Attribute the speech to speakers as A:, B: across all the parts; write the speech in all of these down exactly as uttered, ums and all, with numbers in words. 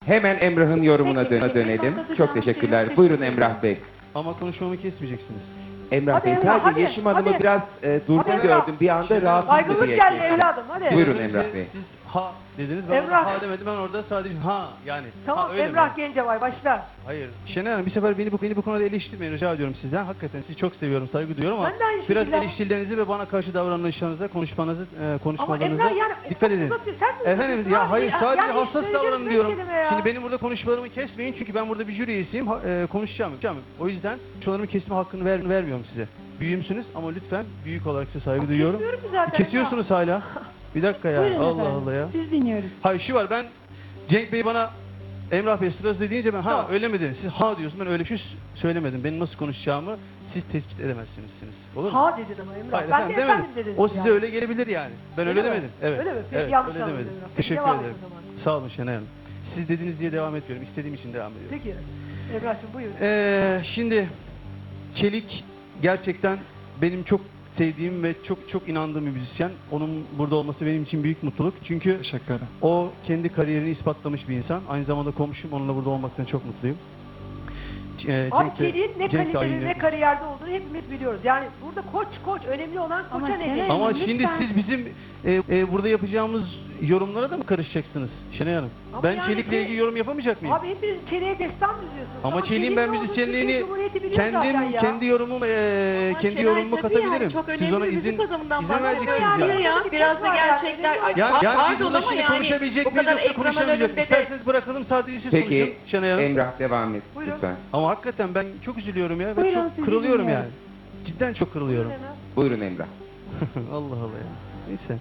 A: Hemen Emrah'ın yorumuna
B: Peki,
A: dö-
B: peki.
A: dönelim.
B: Anlatacağım
A: Çok
B: bir şey
A: teşekkürler.
B: yok.
A: Buyurun Emrah Bey.
C: Ama konuşmamı kesmeyeceksiniz.
A: Emrah
B: Hadi
A: Bey,
B: Emrah,
A: sadece
B: hadi,
A: Yeşim Hanım'ı
B: hadi.
A: biraz e, durgun
B: Hadi Emrah.
A: gördüm. Bir anda
C: Şimdi
A: rahatsız
B: Baygınlık
A: diye
B: geldi
A: kestim.
B: evladım, hadi.
A: Buyurun
C: Siz-
A: Emrah Bey.
C: Siz ha dediniz, ben
B: Emrah.
C: orada ha demedim, ben orada sadece ha yani.
B: Tamam,
C: ha, öyle
B: Emrah
C: mi?
B: Gencebay başla.
C: Hayır. Şenay Hanım, bir sefer beni bu, beni bu konuda eleştirmeyin rica ediyorum sizden. Hakikaten sizi çok seviyorum, saygı duyuyorum ama
B: Ben de aynı
C: biraz
B: şekilde.
C: eleştirilerinizi ve bana karşı davranışlarınıza, konuşmanızı, e, konuşmalarınıza
B: Emrah yani
C: dikkat edin.
B: uzatıyor, sen mi
C: Efendim
B: uzatıyorsun
C: ya
B: abi?
C: hayır,
B: Ya-
C: sadece
B: yani
C: hassas
B: söyleyeceğim
C: davranın
B: beş
C: diyorum.
B: kelime ya.
C: Şimdi benim burada konuşmalarımı kesmeyin çünkü ben burada bir jüri üyesiyim, ha- e, konuşacağım. konuşacağım. O yüzden konuşmalarımı kesme hakkını ver, vermiyorum size. Büyüğümsünüz ama lütfen büyük olarak size saygı duyuyorum.
B: Kesiyorum ki zaten
C: Kesiyorsunuz hala. Bir dakika ya.
D: Buyurun
C: Allah
D: efendim.
C: Allah ya.
D: Siz dinliyoruz.
C: Hayır şu var, ben Cenk Bey bana Emrah Bey sırası deyince ben ha
B: Tamam.
C: öyle mi dedin? Siz ha diyorsun, ben öyle bir şey söylemedim. Benim nasıl konuşacağımı siz tespit edemezsiniz. Olur mu?
B: Ha dedin ama Emrah.
C: Hayır
B: Ben
C: efendim
B: de
C: demedim.
B: efendim dedim.
C: O size
B: yani.
C: öyle gelebilir yani. Ben öyle,
B: Öyle mi?
C: demedim. Evet.
B: Öyle mi? Peki,
C: evet,
B: yanlış
C: öyle
B: anladım
C: demedim.
B: Emrah. Peki,
C: Teşekkür
B: devam et
C: ederim.
B: o zaman.
C: Sağ olun Şenay Hanım. Siz dediniz diye devam etmiyorum. İstediğim için devam ediyorum.
B: Peki. Emrah'cığım buyur.
C: Ee, şimdi Çelik gerçekten benim çok sevdiğim ve çok çok inandığım bir müzisyen. Onun burada olması benim için büyük mutluluk. Çünkü
E: Teşekkür ederim.
C: o kendi kariyerini ispatlamış bir insan. Aynı zamanda komşum, onunla burada olmaktan çok mutluyum. Ee,
B: Abi
C: Cenk de-
B: Çelik'in ne
C: Cenk de
B: kaliteli
C: aynı.
B: ne kariyerde olduğunu hepimiz biliyoruz. Yani burada koç koç önemli olan
D: Ama
B: koça ne
D: Şenay
B: diyeyim?
C: Ama
D: Lütfen.
C: şimdi siz bizim e, e, burada yapacağımız yorumlara da mı karışacaksınız Şenay Hanım?
B: Ama
C: Ben
B: yani
C: Çelik'le
B: şey-
C: ilgili yorum yapamayacak mıyım?
B: Abi hepiniz Çelik'e destan düzüyorsunuz.
C: Ama Çelik'in
B: Çelik'in
C: ben
B: ne olduğunu
C: müzisyenliğini
B: Türkiye Cumhuriyeti biliyor zaten
C: kendim
B: ya.
C: kendi yorumumu e,
F: Ama
C: kendi
F: Şenay
C: yorumumu
F: tabii yani
C: katabilirim.
F: çok
C: Siz
F: önemli
C: ona
F: bir
C: izin
F: müzik adamından
C: izin
F: bahsediyor
C: vereceksiniz
F: yani.
C: yani.
F: Ya, biraz da gerçekler. Ay,
C: Ya,
F: pa-
C: yani biz
F: pardon
C: burada
F: ama
C: şimdi
F: yani
C: konuşabilecek
F: bu
C: miyiz
F: kadar
C: yoksa
F: ekranın
C: konuşamayacak
F: önünde
C: mıyız?
F: de
C: İsterseniz bırakalım, sadece siz
A: Peki
C: konuşun Şenay Hanım.
A: Emrah devam et
B: Buyurun.
A: lütfen.
C: Ama hakikaten ben çok üzülüyorum ya ve
D: Buyurun,
C: çok
D: sizi
C: kırılıyorum
D: dinliyorum.
C: yani. Cidden çok kırılıyorum.
A: Buyurun Emrah.
C: Allah Allah ya. Neyse.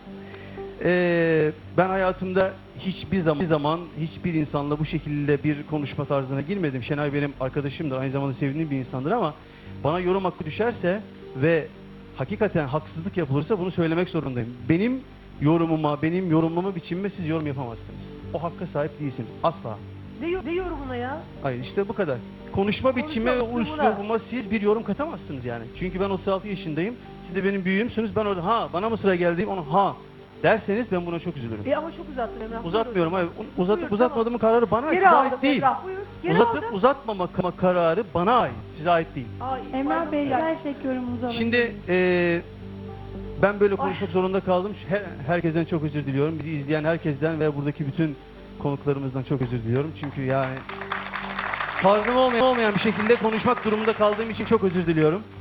C: Ee, ben hayatımda hiçbir zaman, hiçbir zaman hiçbir insanla bu şekilde bir konuşma tarzına girmedim. Şenay benim arkadaşımdır, aynı zamanda sevdiğim bir insandır ama bana yorum hakkı düşerse ve hakikaten haksızlık yapılırsa bunu söylemek zorundayım. Benim yorumuma, benim yorumlama biçimime siz yorum yapamazsınız. O hakka sahip değilsiniz. Asla.
B: Ne, yo- ne yorumuna ya?
C: Hayır işte bu kadar. Konuşma biçimi ve
B: Konuşma üslubuna.
C: üslubuma siz bir yorum katamazsınız yani. Çünkü ben otuz altı yaşındayım. Siz de benim büyüğümsünüz. Ben orada ha bana mı sıra geldi onu ha derseniz ben buna çok üzülürüm.
B: E ama çok uzattın Emrah.
C: Uzatmıyorum hayır. Uzatıp
B: Buyur,
C: uzatmadığımın kararı bana ait.
B: Geri
C: Size
B: aldım
C: ait değil.
B: Emrah buyur. Geri
C: Uzatıp
B: aldım.
C: uzatmama ka- kararı bana ait. Size ait değil.
B: Ay,
D: Emrah
B: pardon.
D: Bey,
B: Yani-
D: gerçek yorumunuzu alabilir
C: Şimdi
D: miyim?
C: eee, ben böyle konuşmak zorunda kaldım. Her, herkesten çok özür diliyorum. Bizi izleyen herkesten ve buradaki bütün konuklarımızdan çok özür diliyorum. Çünkü yani tarzım olmayan, olmayan bir şekilde konuşmak durumunda kaldığım için çok özür diliyorum.